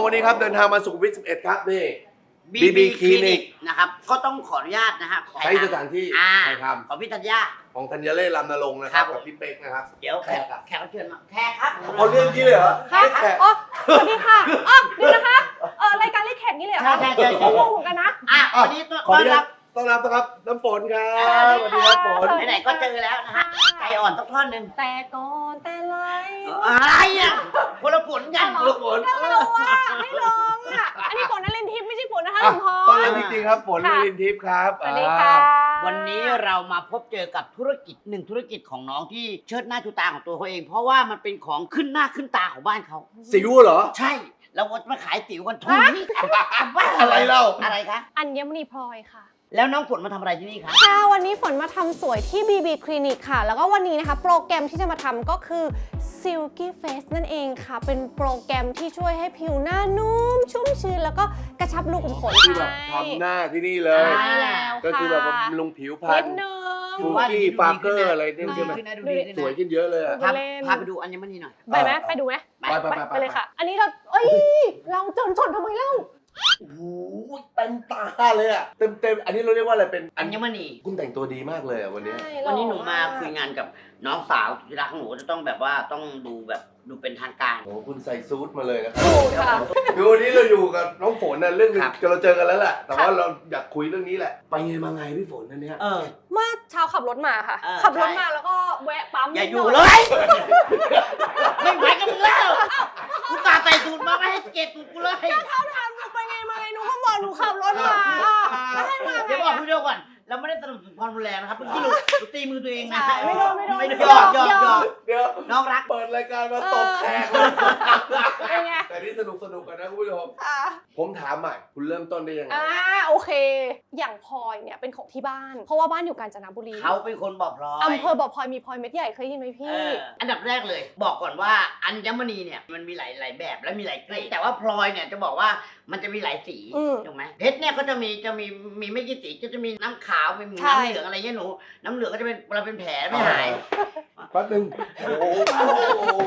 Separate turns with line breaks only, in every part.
วันนี้ครับเดินทางมาสุขุมวิท11ครับนี่
BB คลินิกนะครับก็ต้องขออนุญาตนะฮะ
ใช้สถานที่ใครท
ของพี่ธัญญา
ำของธัญเล่ลำนรงค์นะครับกับพี่เป๊กนะครับ
เดี๋ยวแขกรับเชิญมาแขกครับ
เอาเรื่องนี้เลยเหรอ
ค่ะ
แขก
อ๋อสวัสดีค่ะอ๋อเดี๋ยวนะคะรายการเรียกแขกนี้เลยเหรอคะ
ใช่
งงเหมือนกันนะ
วันนี้
ขอ
ต้
อ
อน
นุญา
รั
ต
บ
ต้อนรับนะครับน้ำฝนครับสวัสดีครับฝน
ไหนๆก็เจอแล้วนะฮะไก่อ่อนสักท่อนหนึ่ง
แต่ก่อนแต่ไร
อะไรอ่ะคนละผลกัน
ลูกฝน
ไม่ลงอ่ะอันนี้ฝนนลินทิพย์ไม่ใช่ฝนนะคะหลวงพ่อ
ต้อนรับจริงๆครับฝนนรินทร์ทิพย์ครับ
สวัสดีค่ะ
วันนี้เรามาพบเจอกับธุรกิจหนึ่งธุรกิจของน้องที่เชิดหน้าชูตาของตัวเขาเอง เพราะว่ามันเป็นของขึ้นหน้าขึ้นตาของบ้านเขา
สิวเหรอ
ใช่เราจะมาขายติ๋วกันทุกที่
อะไรเล่า
อะไรคะ
อัญมณีพลอยค่ะ
แล้วน้องฝนมาทำอะไรที่นี่คะ
ค่ะวันนี้ฝนมาทำสวยที่ BB คลินิกค่ะ แล้วก็วันนี้นะคะโปรแกรมที่จะมาทำก็คือ Silky Face นั่นเองค่ะ เป็นโปรแกรมที่ช่วยให้ผิวหน้านุ่มชุ่มชื้นแล้วก็กระชับรูขุมขน
คือแบบทำหน้าที่นี่เลย
ใช่แล้ว
ก็คือแบบบำรุงผิวพรร
นิ
ณ
ดนึง
ฟูกี้ฟาร์เกอร์อะไรเนี่ยใช่ไหม
ดูดีขึ้นนะ
สวยขึ้นเยอะเลยอะ
ดู
พาไปดูอัญมณีหน่อย
ไปไหมไปดูไหม
ไป
เลยค่ะ อันนี้เราเราจนทำไมเล่า
โอ้โหเต็มตาเลยอะเต็มอันนี้เราเรียกว่าอะไรเป็น
อัญมณี
คุณแต่งตัวดีมากเลยอะวันนี้
ใช่
วันนี้หนูมาคุยงานกับน้องสาวที่รักของหนูจะต้องแบบว่าต้องดูแบบดูเป็นทางการ
โอ้โหคุณใส่ซูทมาเลยนะครับ
ถูกค่ะ
คือวันนี้เราอยู่กับน้องฝนนะเรื่องนึง
ครับ
เราเจอกันแล้วแหละแต่ว่าเราอยากคุยเรื่องนี้แหละไปไงมาไงพี่ฝนนั่นเนี่ย
เมื่อเช้าขับรถมาค่ะ
เออ
ขับรถ
ใช่
มาแล้วก็แวะปั๊ม
อย่า
นิด
อยู่
ห
เล
น่
ย ไม่ไหวกับมึงแล้วกูตาใส่สูตรมาไม่ให้เก็บสูตรกูเลย
เขาถามหนูไปไงมาไงหนูก็บอกหนูขับรถมาไม่ให้มา
เดี๋ยวบอกคุณเดียวก่อนเราไม่ได้สนับสนุนความรุนแรงนะครับเมื่อกี้หนูตีมือตัวเองนะ
ไม่โดน
ไม่ได้หยอก
เดี๋ยว
น้องรัก
เปิดรายการมาตบแขกเลย
เป็นไง
แต่นี่สนุกกันนะคุณผู้ชม
อ่า
ผมถามใหม่คุณเริ่มต้นได้ยังไง
โอเค อย่างพลอยเนี่ยเป็นของที่บ้าน เพราะว่าบ้านอยู่กาญจนบุรี
เขาเป็นคนบอกพลอย
อำเภอบ่อพลอยมีพลอยเม็ดใหญ่เคยยินไหมพี่
อันดับแรกเลยบอกก่อนว่าอัญมณีเนี่ยมันมีหลายแบบและมีหลายเกรดแต่ว่าพลอยเนี่ยจะบอกว่ามันจะมีหลายสี ถูกไหมเพชรเนี่ยก็จะมีไม่กี่สีก็จะมีน้ำขาวมี
ใช่
น้ำเหลืองอะไรเงี้ยหนูน้ำเหลืองก็จะเป็นเวลาเป็นแผลไม่หาย
แป๊บนึงโอ้โห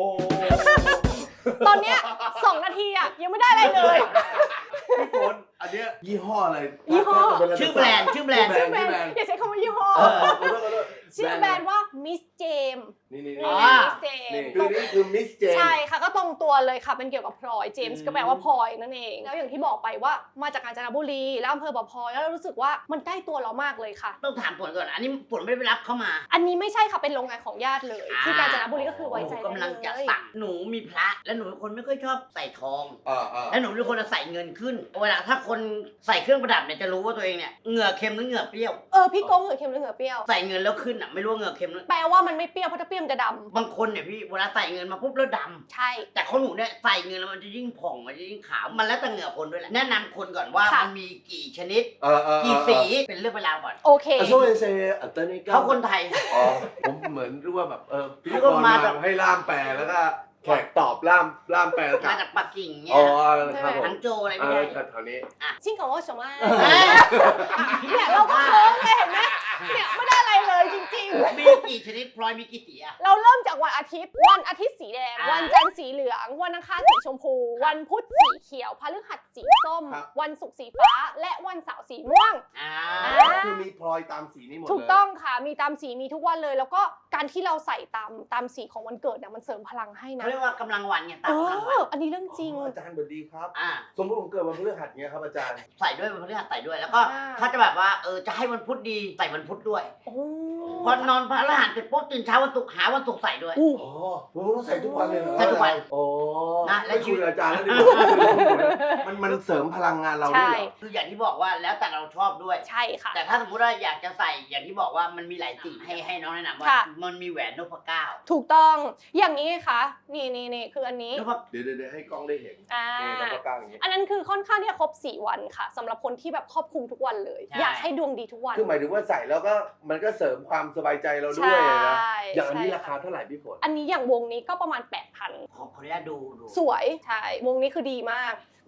ตอนเนี้ย2 นาทีอ่ะยังไม่ได้อะไรเลย
พี่ฝนอันเนี้ยยี่ห้ออะไร
ยี่ห้อ
ชื่อแบรนด์
ชื่อแบรนด์อย่าใช้คำว่ายี่ห้อ
ขอโทษ
ชื่อแบรนด์ว่า Miss James
นี่
Miss James
นี่คือมิสเจน
ใช่ค่ะก็ตรงตัวเลยค่ะเป็นเกี่ยวกับพลอยเจมส์ก็แปลว่าพลอยนั่นเองแล้วอย่างที่บอกไปว่ามาจากกาญจนบุรีแล้วอำเภอบ่อพลอยแล้วเรารู้สึกว่ามันใกล้ตัวเรามากเลยค่ะ
ต้องถามผลก่อนอันนี้ผลไม่ได้ไปรับเข้ามา
อันนี้ไม่ใช่ค่ะเป็นโรงงานของญาติเลยที่กาญจนบุรีก็คือไว้ใจ
กำลังจะ
ได้เลย
สั่งหนูมีพระและหนูเป็นคนไม่ค่อยชอบใส่ทอง และหนูเป็นคนจะใส่เงินขึ้นเวลาถ้าคนใส่เครื่องประดับเนี่ยจะรู้ว่าตัวเองเนี่ยเหงื่อเค็มหรือเหงื่อเปรี้ยว
พี่โก้เหงื่อเค็มหรือเหงื่อเปรี้ยว
ใส่เงินแล้วขึ้นอ่ะไม่รู้ว่าเหงื่อเค็มหรือ
แปลว่ามันไม่เปรี้ยวเพราะถ้าเปรี้ยวมันจะดำ
บางคนเนี่ยพี่เวลาใส่เงินมาปุ๊บแล้วดำ
ใช่
แต่ของหนูเนี่ยใส่เงินแล้วมันจะยิ่งผ่องมันจะยิ่งขาวมันแล้วแต่เหงื่อคนด้วยแหละแนะนำคนก่อนว่ามันมีกี่ชนิดกี่สีเป็นเรื่องเวลาวก่อน
โอเค
ช่วยเซอัตนิกา
เขาคนไทย
ผมเหมือนรู้ว่าแบบพิธี
แล้ว
ก
ก็
ร
มา
มา
จาก
ให้ล่ามแปลแล้วก็แขกตอบล่ามแปลกลั
มา
บ
จากปักกิ่งเนี่
อ๋
ย
อครับผม
ฮังโจวอะไรไม่ได้
แถวนี้
ชิงของว่าสมา
เอ้ย
เนี่ยเราก็โค้งเลยเห็นไหมเนี่ยไม่ได้อะไรเลยจริงๆ
มีกี่ชนิดพลอยมีกี่สีอะ
เราเริ่มจากวันอาทิตย์สีแดง วันจันทร์สีเหลือง วันอังคารสีชมพู วันพุธสีเขียว พฤหัสสีส้ม วันศุกร์สีฟ้า และวันเสาร์สีม่วง
คือมีพลอยตามสีนี้หมดเลย
ถูกต้องค่ะ มีตามสีมีทุกวันเลย แล้วก็การที่เราใส่ตามสีของวันเกิดเนี่ยมันเสริมพลังให้นะ
เขาเรียกว่ากำลังวันไงตามกำลังวัน
อันนี้เรื่องจริง
อาจารย์สวัสดีครับ
อ่า
สมมติผมเกิดวันพฤหัสเงี้ยครับอาจารย์
ใส่ด้วยวันพฤหัสใส่ด้วยแล้วก็
อ่า
ถ้าจะแบบว่าจะให้วันพุธดีใส่วันพุธด้วย
โอ้
พอนอนพฤหัสเสร็จปุ๊บตื่นเช้าวันศุกร์หาวันศุกร์ใส่ด้วย
อ๋อผมต้องใส่ทุกวันเลยเหรอ
ใส่ทุกวัน
โอ้
นะและ
แล้ว
ชี
คุ
วิ
ย
ต
อาจารย์แล้วดิมันเสริมพลังงานเราด้วยเหรอ
คืออย่างที่บอกว่าแล้วแต่เราชอบด้วย
ใช่ค่ะ
แต่ถ้าสมมติว่าอยากจะใส่อย่างที่บอกว่ามันมีหลายสีให้น้องแนะนำว่า
ค่ะ
มันมีแหวนนพเก้า
ถูกต้อง อย่างนี้ค่ะ นี่คืออันนี้
นพ
เดี๋ยวให้กล้องได้เห็น
อ่า
นี่แล้วก็กล้างอย่างนี้
อันนั้นคือค่อนข้างที่จะครบ4 วันค่ะสำหรับคนที่แบบครอบคลุมทุกวันเลย อยากให้ดวงดีทุกวัน
คือหมายถึงว่าใส่แล้วก็มันก็เสริมความสบายใจเราด้วยนะ
ใช่
อย่างอันนี้
ใช่
ราคาเท่าไหร่พี่ฝน
อันนี้อย่างวงนี้ก็ประมาณ 8,000
ขออนุญาตดู
สวยใช่วงนี้คือดีมาก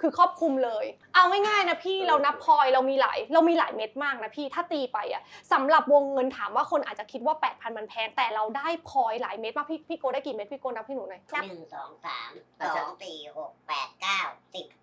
คือครอบคลุมเลยเอาง่ายๆนะพี่เรานับพลอยเรามีหลายเม็ดมากนะพี่ถ้าตีไปอ่ะสำหรับวงเงินถามว่าคนอาจจะคิดว่า 8,000 มันแพงแต่เราได้พลอยหลายเม็ดมากพี่โกได้กี่เม็ดพี่โกนับให้หนูหน่อย
1 2 3 2 4 6 8 9 10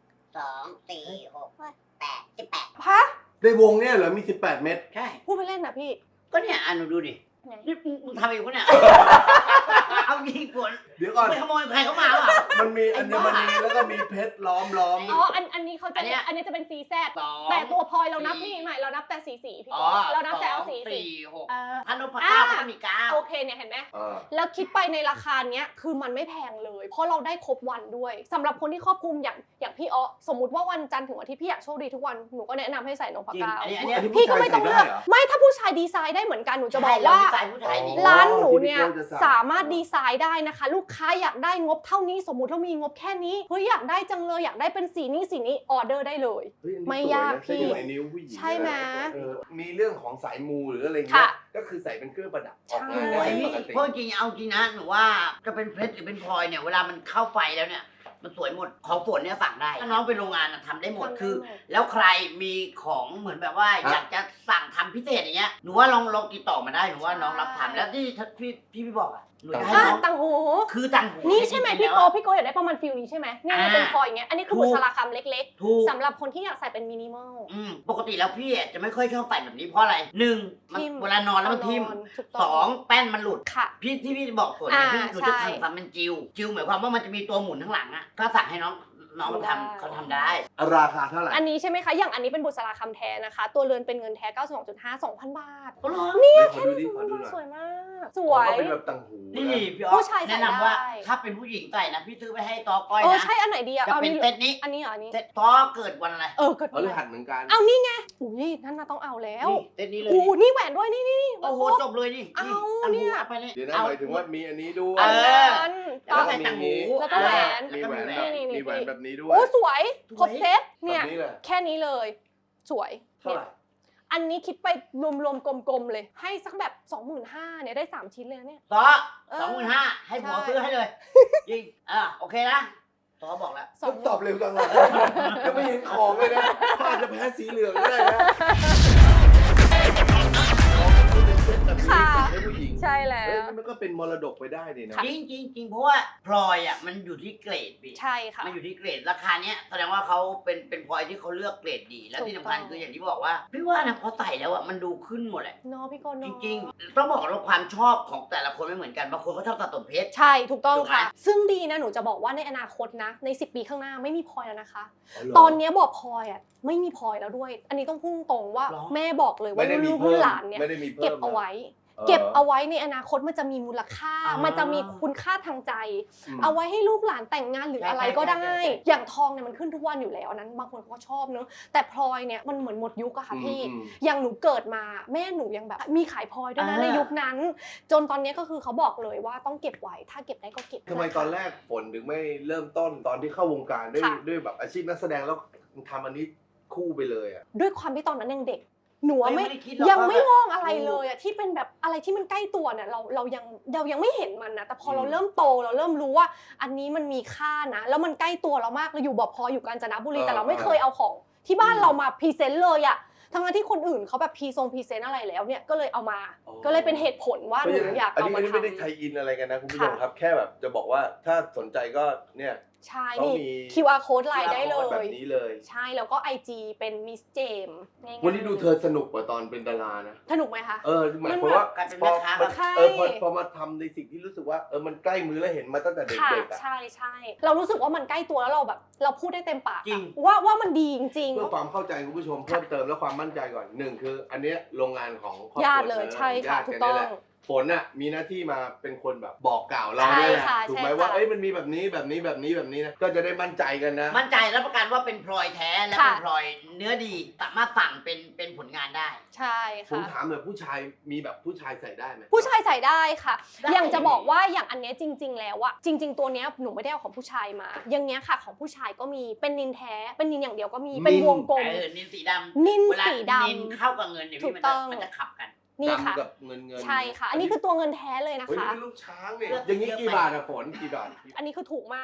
2 4 6 8 18
ฮะ
ในวงเนี่ยเหรอมี18 เม็ด
ใช่
พูดไปเล่นนะพี่
ก็เนี่ยหนูดูดิ
ไง
นี่มึงทำเองปะเนี่ย เอาจริงปวด
เดี๋ยวก่อน
ไปขโมยใครเข้ามาอ่ะ
มันมีอัญมณีแล้วก็มีเพชรล้อม
อ๋ออันนี้เขาจะ
อันเนี้ย
อันนี้จะเป็น CZ
สอง
แต่ตัวพลอยเรานับ
สี่
นี่ไม่เรานับแต่สีพี่
อ๋
โก
อ
เรานับแต่เอาสี
4 6
เออ
ถ้านพเก้าก็ต้องมีเก้า
โอเคเนี่ยเห็นไหม แล้วคิดไปในราคาเนี้ยคือมันไม่แพงเลย เพราะเราได้ครบวันด้วยสำหรับคนที่ครอบคลุมอย่างพี่อ๊อสมมุติว่าวันจันทร์ถึงวันที่พี่อยากโชคดีทุกวันหนูก็แนะนำให้ใส่นพ
จริง
เก้า
อันนี้
อันนี้
พี่ก็ไม่ต้องเลือก
ผู้ชายใส่ได้เหรอ
ไม่ถ้าผู้ชายดีไซน์ได้เหมือนกันหนูจะบอกว่า
ใช่ผู้ชายดี
ร้านหนูเนี่ย
ที่พี่โก้จะสั่ง
สามารถดีไซน์ได้นะคะ ลูกค้าอยากได้งบเท่านี้สมมุติเรามีงบแค่นี้เฮ้ยอยากได้จังเลยอยากได้เป็นสีนี้ออเดอร์ได้เลย
เฮ้ยอันนี้
ไม่
สวยนะ
ยากพี่
ใส่อยู่ในนิ้วผู้หญิง
ใช่ไหม
มีเรื่องของสายมูหรืออะไรเงี้
ค่ะ
ยก็คือใส่เป็นเครื่องประดับออก
ใช่
งานได้
โอ้ย
ปกติ
เพราะจริงเอาจริงนะหนูว่าจะเป็นเพชรหรือเป็นพลอยเนี่ยเวลามันเข้าไฟแล้วเนี่ยมันสวยหมดของฝนเนี่ยสั่งได้ถ้าน้องเป็นโรงงานทำได้หมดคือ แล้วใครมีของเหมือนแบบว่าอยากจะสั่งทำพิเศษอย่างเงี้ยหนูว่าลองติดต่อมาได้หนูว่าน้องรับทำแล้วที่พี่บอกอ่ะหนูจะให้น้อง
ต่างหู
คือต่างหู
นี่ใช่ไหม
จริ
พี่
งๆ
โก
แล้ว
พี่โกอยากได้ประมาณฟิลนี้ใช่ไหมเนี่ย
อ่า
เป็นพลอยอย่างเงี้ยอันนี้คือ
ถูก
บุษราคำเล็ก
ถูก
ๆสำหรับคนที่อยากใส่เป็นมินิมอล
ปกติแล้วพี่จะไม่ค่อยชอบใส่แบบนี้เพราะอะไรหนึ่งมัน
ทิ่ม
เวลานอนแล้วมันทิ่ม
ถูก
ส
ต้
องแป้นมันหลุด
ค่ะ
พี่บอกส่วนเนี่ย
อ่า
พี่หนูจะ
ใช่
ทำเป็นจิวหมายความว่ามันจะมีตัวหมุนข้างหลังอ่ะก็สั่งให้น้องมัน
ได้
ทำเขาทำได้
ราคาเท่าไหร่
อันนี้ใช่ไหมคะอย่างอันนี้เป็นบุษราคำแท้นะคะ ตัวเรือนเป็นเงินแท้ 92.5 2,000 บาท
ก็ร้อง
เนี่ยขอดูดิขอดูหน่อย
สวยมาก ส
อ๋
ว
อย ก็เป็นแบบต่างหู
นี่
นะ
พี่อ๊อ
ผู้
ฟ
ชายใส่
แนะนำว่า
ได้
ถ้าเป็นผู้หญิงใส่นะพี่ซื้อไปให้ตอก้อย
เออ
นะ
ใช่อันไหนดีอะ
จะเป็นเซตนี้
อันนี้เหรออันนี้
เซตตอเกิดวันอะไร
เกิด
พฤหัสเหมือนกัน
เอานี่ไงอุ้ยนั่นน่ะต้องเอาแล้ว
นี่เซตนี้เลย
อู้นี่แหวนด้วยนี่
โอ้โหจบเลยนี่
เอา
ตัง
เนี่
หู
ย
เอาไปเลย
เดี๋ยวนะ
เอา
หมายถึงว่ามีอันนี้ด้วย
เออ
ต้อ
แล้ว
ง
ใส่ต่างหู
แล้วก็แหวน
มีแหวนแบบ
นี่
มีแหวนแบบนี้ด้วย
โอ้สวยครบเซต
แบ
เนี่ย
บนี้เลย
แค่นี้เลย สวย
เท่าไหร่
อันนี้คิดไปรวมๆกลมๆเลย ให้สักแบบ 25,000เนี่ยได้ 3 ชิ้นเลยนะเนี่ย
ตอ
เออ
25,000ให้ผัว
ใช่
ซื้อให้เลยจริงโอเคนะตอบอกแล้ว
ต้องตอบเร็วจังเลยยังไม่เห็นของเลยนะเขาอาจจะแพ้สีเหลืองก็ได้นะ
ค่ะ
ของแบบนี้ให้ผู้หญิง
ใช่แล้
เอ้ยว มันก็เป็นมรดกไปได้นี่นะ
จริงเพราะว่าพลอยมันอยู่ที่เกรดพี่
ใช่ค่ะ
มันอยู่ที่เกรดราคาเนี้ยแสดงว่าเขาเป็นพลอยที่เขาเลือกเกรดดี แล้วที่สำคัญ
ถูกต้อง
คืออย่างที่บอกว่าพี่ว่านะพอใส่แล้วมันดูขึ้นหมดแหละ
เนอะพี่โก
จ
เนอะ
ริงๆต้องบอกว่าความชอบของแต่ละคนไม่เหมือนกันบางคนก็ชอบสะสมเพชร
ใช่ถูกต้อง
ถูกไหม
ค่ะ ซึ่งดีนะหนูจะบอกว่าในอนาคตนะใน10 ปีข้างหน้าไม่มีพลอยแล้วนะคะ
เหร
ตอนเนี้ยบอกพลอยไม่มีพลอยแล้วด้วย อันนี้ต้องพุ่งตรงว่า
หรอ
แม่บอกเลยว่า
ไม่ได้มี
ลูก
เพิ่ม
หลานเนี่ย
ไม่ได้มีเพิ่ม
เก็บเอาไว้
นะ
เก็บเอาไว้ในอนาคตมันจะมีมูลค่า
อ่ามั
มันจะมีคุณค่าทางใจ
อืม
เอาไว้ให้ลูกหลานแต่งงานหรือ
ใช่
อะไรก็ได้
ใช่
อย่างทองเนี่ยมันขึ้นทุกวันอยู่แล้วอันนั้นบางคนเขาก็ชอบเนอะแต่พลอยเนี่ยมันเหมือนหมดยุคอะค่ะพี่
อืม
อย่างหนูเกิดมาแม่หนูยังแบบมีขายพลอยด้วยนะในยุคนั้น จนตอนนี้ก็คือเขาบอกเลยว่าต้องเก็บไว้ถ้าเก็บได้ก็เก็บ
ทำไมตอนแรกฝนถึงไม่เริ่มต้นตอนที่เข้าวงการด้วย
ค่ะ
ด้วยแบบอาชีพนักแสดงแล้วทำอันนี้คู่ไปเลยอ่ะ
ด้วยความที่ตอนนั้นยังเด็ก หนูอะไม่
ด้คิดหรอก
ยังไม่
ว่าม
องอะไรเลยอะที่เป็นแบบอะไรที่มันใกล้ตัวเนี่ยเรายังไม่เห็นมันนะแต่พอเราเริ่มโตเราเริ่มรู้ว่า อันนี้มันมีค่านะแล้วมันใกล้ตัวเรามากเราอยู่บ่อพลอยอยู่กาญจนบุรีแต่เราไม่เคยเอาของที่บ้านเรามาพรีเซนต์เลยอะทั้งที่คนอื่นเขาแบบพรีเซนต์อะไรแล้วเนี่ยก็เลยเอามา
อ๋อ
ก็เลยเป็นเหตุผลว่าหนูอยาก
อัน
เอา
นี้
มา
ไม่ได้
ทำ
ไทยอินอะไรกันนะคุณผู้ชม
ค่ะ
ครับ แค่แบบจะบอกว่าถ้าสนใจก็เนี่ย
ใช่
เขา
นี่
มี
QR code ไลน์ได้เล
แบบ
ย
นี้เลย
ใช่แล้วก็ IG เป็นมิสเจมง่ายๆ
วันนี้ดูเธอสนุกกว่าตอนเป็นดารานะ
สนุกไหมคะ
หมายความว่า
การเป็น
พ
แม่
อ
ค้า
มัน
ใช่
พอมาทำในสิ่งที่รู้สึกว่ามันใกล้มือแล้วเห็นมาตั้งแต่เ
ค่ะ
ด็กๆอ่ะ
ใช่เรารู้สึกว่ามันใกล้ตัวแล้วเราแบบเราพูดได้เต็มปาก
จริง
ว่ามันดีจริง
เพื่อความเข้าใจคุณผู้ชมเพิ่มเติมและความมั่นใจก่อนหนึ่งคือ อันเนี้ยโรงงานของครอบครัว
ญาติเลยใช่ค่ะ
ญาติ
ถูก
น
ต้
นี่
อง
แหละฝนน่ะมีหน้าที่มาเป็นคนแบบบอกกล่าวเรา
ใช่
เนี่ยแหละ
ค่ะ
ถูกไหม
ใช่ค่ะ
ว่ามันมีแบบนี้แบบนี้แบบนี้แบบนี้นะก็จะได้มั่นใจกันนะ
มั่นใจรับประกันว่าเป็นพลอยแท้และ
ค่ะ
เป็นพลอยเนื้อดีสามารถสั่งเป็นผลงานได้
ใช่
ผม
ค่ะ
ถามหน่อยผู้ชายมีแบบผู้ชายใส่ได้ไหม
ผู้ชายใส่ได้ค่ะ
ได้
อย่างจะบอกว่าอย่างอันเนี้ยจริง ๆ แล้วอะจริง ๆ ตัวเนี้ยหนูไม่ได้เอาของผู้ชายมา อย่างเนี้ยค่ะของผู้ชายก็มีเป็นนินแท้เป็นนินอย่างเดียวก็มีเป็นวงกลม
นินสีดำ
นิน
เวลา
สีด
นินเข้ากับเงินเนี่ย
ถู
พี่
กต้อง
มันจะขับกัน
ำนี่ค่ะ
ดำกับเงิน
ใช่ค่ะ อันนี้คือตัวเงินแท้เลยนะ
เฮ้ย
คะ
นี่เป็นลูกช้างเนี่ยอย่างนี้กี่บาทอะฝนกี่บาท
อันนี้คือถูกมาก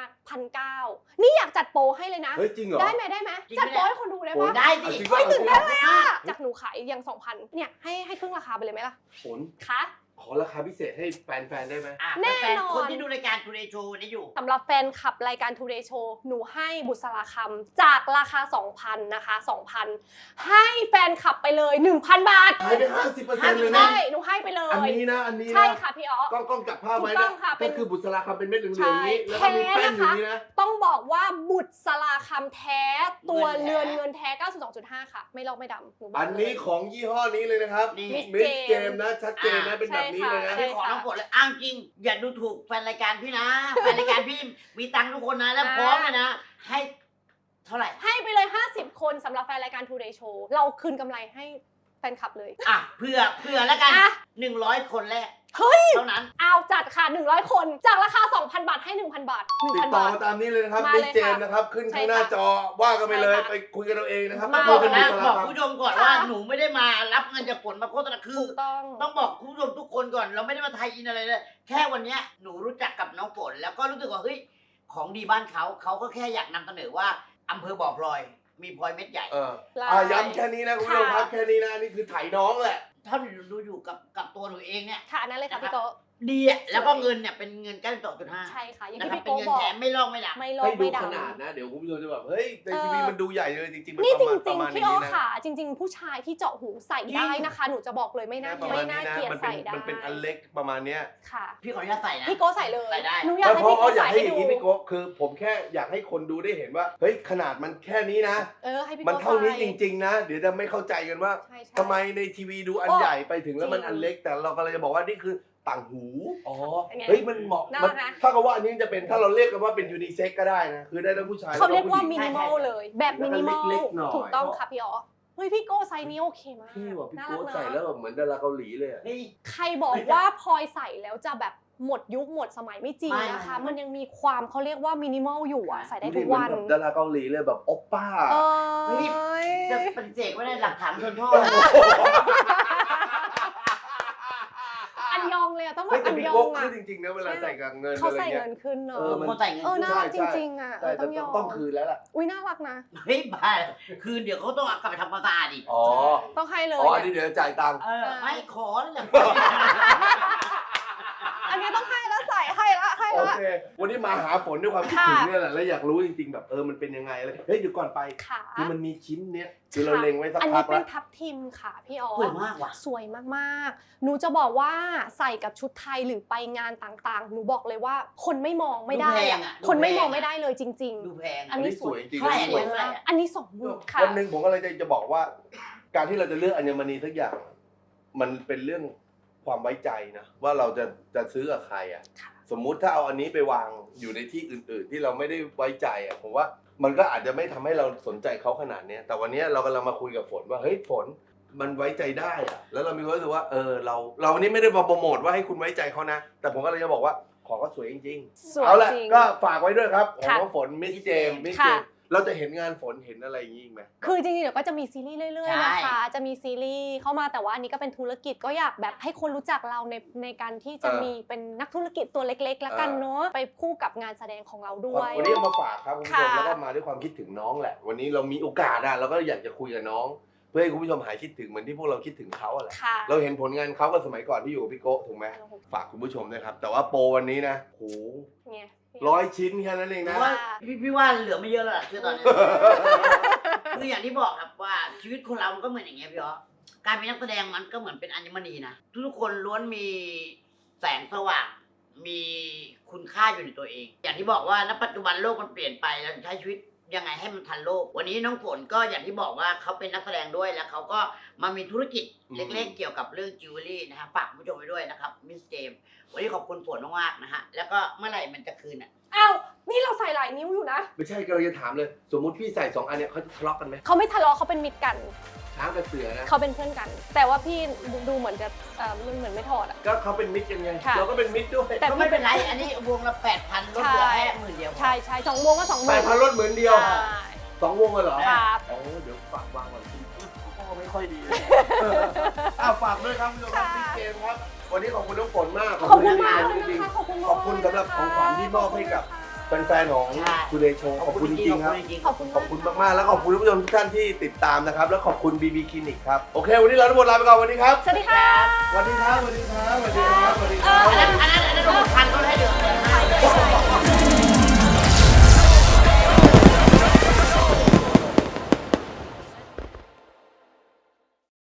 1,900นี่อยากจัดโปรให้เลยนะ
เฮ้ยจริงเหรอ
ได้ไหมจัดโปรให้คนดูได้
ฝน
ปะ
ได้ดิ
จริง
เฮ้ยตื่นเต้นเลย
มาก
จากหนูขายอย่าง 2,000เนี่ยให้ครึ่งราคาไปเลยไหมล่ะ
ฝน
คะ
ขอราคาพิเศษให้แฟนๆได้ไหม
แน่นอน
คนที่ดูรายการทูเดย์โชว์นี่อยู่
สำหรับแฟนคลับรายการ Today Show หนูให้บุษราคำจากราคา 2,000 นะคะ 2,000 ให้แฟนคลับไปเลย 1,000 บาท
หายไป50%เลยนะ
ใช่หนูให้ไปเลย
อันนี้นะอันนี้นะ
ใช่ค่ะพี่อ๋อ
กล้องจับภาพไว้
ถูกต้
นะ
องค่ะเป็น
ก็คือบุษราคำเป็นเม็ดเหลืองๆนี้
ใช่
แล้วก็มีแป้นอยู่นี้นะ
ต้องบอกว่าบุตรสลาคำแท้ตัว
เงินแท้
เรือนเงินแท้ 92.5 ค่ะ ไม่ลอกไม่ดำหนูบอก
อันนี้ของยี่ห้อนี้เลยนะครับ
นี่
มิสเกมนะชัดเจนนะเป็นแบบนี้เลยนะ
ใช่
พี่ขอน้องฝนเลยอ้างจริง อย่าดูถูกแฟนรายการพี่นะ แฟนรายการพี่มีตังค์ทุกคนนะแล้วพร้อมเลยนะ ให้เท่าไหร่
ให้ไปเลย 50 คนสำหรับแฟนรายการ Today Show เราคืนกำไรให้แฟนคลับเลย
อ่ะเผื่อแล้วกัน
อ่ะ
100 คนแรก
เฮ้ย
เท่านั้น
เอาจัดค่ะ 100 คนจากราคา 2,000 บาทให้ 1,000 บาท
ติด
1,000
ต่อบ
าท
มาตามนี้เลยนะครับ
มา
มิ
เล
ส
ย
เจม
ค่ะ
นะครับขึ้น
ใช่
ข้างหน้า
ค่ะ
จอว่ากันไปเลย
ใช่ค่ะ
ไปคุยกันเอาเองนะครับ
มา
ถ้า
บอก
เป็น
นะ
บุษ
บ
รา
อก
คำ
คุณผู้ชมก่อน
ค่ะ
ว่าหนูไม่ได้มารับเงินจากฝนมาโฆษณาคือ
ถูกต้อง
ต้องบอกคุณผู้ชมทุกคนก่อนเราไม่ได้มาไทยอินอะไรเลยแค่วันเนี้ยหนูรู้จักกับน้องฝนแล้วก็รู้สึกว่าเฮ้ยของดีบ้านเขาก็แค่อยากนำเสนอว่าอำเภอบ่อพลอยมีพลอยเม็ดใหญ่
ย้ำแค่นี้นะคุณผู้ชมครับแค่นี้นะนี่คือไถน้องแหละ
ถ้าหนูดูอยู่กับตัวหนูเองเนี่ย
ค่ะอันนั้นเลยค่ะพี่โก
ดีอะแล้วก็เงินเนี่ยเป็นเงิน92.5
ใช่ค่ะ อย่าง
นะ
ที่
ครับ
พี่
เป็น
โก
เงิน
บอก
แถมไม่ลอกไม่ดัก
ไม่ลอ
ให้
ก
ดู
ไม่ด
ขนาดนะ เดี๋ยวคุณผู้ชมจะแบบเฮ้ยใน
เออ
ทีวีมันดูใหญ่เลยจริงๆมัน
ำนี่จ
ประ
ริง
มาณ
ๆพี่
นี้
อ๋อ
นะ
ค่ะ จริง ๆ ผู้ชายที่เจาะหูใส่ได้นะคะ หนูจะบอกเลยไม่น่า
ประมา
ไม่
ณ
น่า
นี้นะ
เกลียด
มันเป็น
ใส่ได้
มันเป็นอันเล็กประมาณเนี้ย
ค่ะ
พี่ขออนุญาตใส่นะ
พี่โกใส่เลย
ใส่ได้
หนูอยากให้
เพราะ
พี่โก
อยาก
ใส่
ให้
ให้
อย่าง
ดู
นี้พี่โกะคือผมแค่อยากให้คนดูได้เห็นว่าเฮ้ยขนาดมันแค่นี้นะ
ให้พี่โก
มันเท่านี้
ใส่
จริงๆนะ เดี๋ยวจะไม่เข้าใจกันว่า
ใช่ๆ
ทำไมในทีวีดูอัน
โอ้
ใหญ่ไปถึงแล้วมัน
จริง
อันเล็ก แต่เราก็เลยจะบอกว่านี่คือต่างหู อ๋อ
เป็นไง
เฮ้ยมันเหมาะ
น่า
มัน
รักนะ
ถ้ากับว่าอันนี้จะเป็นถ้าเราเรียกกันว่าเป็นยูนิเซ็กก็ได้นะ คือได้ทั้งผู้ชาย
เขาเรียกว่า
และ
มิ
ผู้หญิง
นิมอลเลย แบบมินิมอล
เล็กๆหน่อย
ถูกต้องค่ะพี่อ๋อเฮ้ยพี่โกไซส์นี้โอเคมาก
พี่ว่ะพี่
น่า
โก้
รัก
ใส่แล้วแบบเหมือนดาราเกาหลีเลยอะ
เฮ้ย
ใครบอกว่าพลอยใส่แล้วจะแบบหมดยุคหมดสมัยไม่จริง
ไม่
นะคะ
ไม่
มันยังมีความเขาเรียกว่ามินิมอลอยู่อะใส่ได้
ดู
ทุ
ดิ
ก
เหมือ
วัน น
แบบดาราเกาหลีเลยแบบโอปป้า
เอ้ย
จะปฏิเสธไม่ได้หลักฐานชนโทษ
อันยองเลยอะต้องบอ
เฮ้ย
ก
แต่
อัน
พี่
ยอ
โก้
งอะ
คือจริงๆนะเวลาใส่กับเงิน
เขา
อะไร
ใส่
เงี้ย
เงินขึ้นเนอะ
คนใส่เงิน
น่ารักจริงๆอะ
ใช่
ต้องยอม
ต้องคืนแล้วล่ะ
อุ้ยน่ารักนะ
เฮ้ยบ้าคือเดี๋ยวเขาต้องเอากลับไปทำความสะอาดอีก
อ๋อ
ต้องให้เลย
อ๋ออันนี้เดี๋ยวจ่ายตังค์
ไม่ขอแล้วอย่าง
อันนี้ต้องให้แล้วใส่ให้ละให้
โอ
ละ
เค วันนี้มาหาฝนด้วยความคิดถึงเนี่ยแหละ แล้วอยากรู้จริงๆแบบมันเป็นยังไงเลยเฮ้ยเดี๋ยวก่อนไป
ค่ะ
คือมันมีชิ้นเนี้ยคือเราเล็งไว้สัก
อัน
พั
นี้
ก
เป็
แล้
น
ว
ทับทิมค่ะพี่อ๋อ
สวยมากว่ะ
สวยมากๆ หนูจะบอกว่าใส่กับชุดไทยหรือไปงานต่างๆ หนูบอกเลยว่าคนไม่มองไม่ได้
ดูแพง
อะ
อะ
คนไม่
ดูแพง
มองไม่ได้เลยจริง
ดูแพง
อันนี้
สวยจริง
เท่าไหร่
ๆ สวยมากอันนี้20,000ค่ะ
วันหนึ่งผมก็เลยจะบอกว่า การที่เราจะเลือกอัญมณีทุกอย่าง มันเป็นเรื่องความไว้ใจนะว่าเราจะซื้อกับใครอ่ะ
ค่ะ
สมมุติถ้าเอาอันนี้ไปวางอยู่ในที่อื่น ๆ ที่เราไม่ได้ไว้ใจอ่ะผมว่ามันก็อาจจะไม่ทำให้เราสนใจเขาขนาดเนี้ยแต่วันนี้เรากำลังมาคุยกับฝนว่าเฮ้ยฝนมันไว้ใจได้อะแล้วเรามีความรู้สึกว่าเราวันนี้ไม่ได้มาโปรโมทว่าให้คุณไว้ใจเขานะ แต่ผมก็เลยจะบอกว่าของก็สวยจริง
ส
ๆ
วย
เอาละ
จริง
ก็ฝากไว้ด้วยครับของ
ค่ะ
น้องฝนมิสเจม
ค่ะ
เราจะเห็นงานฝนเห็นอะไรอย่างนี้อีกไหม
คือจริงๆเดี๋ยวก็จะมีซีรีส์เรื่อยๆ
ใช่
นะคะ จะมีซีรีส์เข้ามาแต่ว่าอันนี้ก็เป็นธุรกิจก็อยากแบบให้คนรู้จักเราในการที่จะมีเป็นนักธุรกิจตัวเล็กๆแล้วกันเนาะไปคู่กับงานแสดงของเราด้วย
วันนี้เอามาฝากครับคุณผู้ชม
ค่ะ
แล้วก็มาด้วยความคิดถึงน้องแหละ วันนี้เรามีโอกาสอะเราก็อยากจะคุยกับน้อง เพื่อให้คุณผู้ชมหายคิดถึงเหมือนที่พวกเราคิดถึงเขาอะแหละ
ค่ะ
เราเห็นผลงานเขากับสมัยก่อนที่อยู่กับพี่โก้ถูกไหมฝากคุณผู้ชมด้วยครับ แต่ว่าโปรวันนี้นะโห
เนี่ย
100 ชิ้นแค่นั้นเองนะ
ว่าพี่ว่าเหลือไม่เยอะแล้วล่ะคือตอนนี้ คืออย่างที่บอกครับว่าชีวิตคนเรามันก็เหมือนอย่างเงี้ยพี่อ๋อการเป็นนักแสดงมันก็เหมือนเป็นอัญมณีนะทุกคนล้วนมีแสงสว่าง มีคุณค่าอยู่ในตัวเอง อย่างที่บอกว่าณปัจจุบันโลกมันเปลี่ยนไปเราใช้ชีวิตยังไงให้มันทันโลก วันนี้น้องฝนก็อย่างที่บอกว่าเขาเป็นนักแสดงด้วยแล้วเขาก็มามีธุรกิจเล็กๆเกี่ยวกับเรื่องจิวเวลรี่นะฮะฝากคุณผู้ชมไว้ด้วยนะครับมิสเจมวันนี้ขอบคุณฝนมากๆนะฮะแล้วก็เมื่อไหร่มันจะคืนอ่ะ
อ้าวนี่เราใส่หลายนิ้วอยู่นะ
ไม่ใช่กำลังจะถามเลย สมมุติพี่ใส่2อันเนี่ยเขาจะทะเลาะกันไหม
เขาไม่ทะเลาะเขาเป็นมิตรกัน
ช้างกับเสือนะ
เขาเป็นเพื่อนกัน แต่ว่าพี่ดูเหมือนจะมันเหมือนไม่ถอดอะ
ก็เขาเป็นมิตรกันไง
ค่ะ
เราก็เป็นมิตรด้วย
แต่
ก็ไม่เป็นไรอันนี้วงละ 8,000ลดเหลือแค่10,000เดียว
ใช่ใช่สองวงก็20,000
8,000ลดเหมือนเดียว
ใช่
2 วงเลยเหรอ
ครับ
เดี๋ยวฝากวางก่อนสิพ่อไม่ค่อยดีฝากด้วยครับคุณผู้ชมครับพี่เกมครับ วันนี้ขอบคุณน้องฝนมาก
ขอบคุณมาก
จริง
นะคะขอบคุณ
ๆ
มาก
ขอบคุณสำหรับของขวัญที่มอบให้กับแฟนๆของทูเดย์โชว์ขอบคุณจริงๆครับ
ขอบคุณ
ขอบคุณมากๆแล้วขอบคุณผู้ชมทุกท่านที่ติดตามนะครับแล้วขอบคุณ BB คลินิกครับโอเควันนี้เราทั้งหมดลาไปก่อนวันนี้ครับ
สวัสดีค่ะ
สวัสดีครับสวัสดี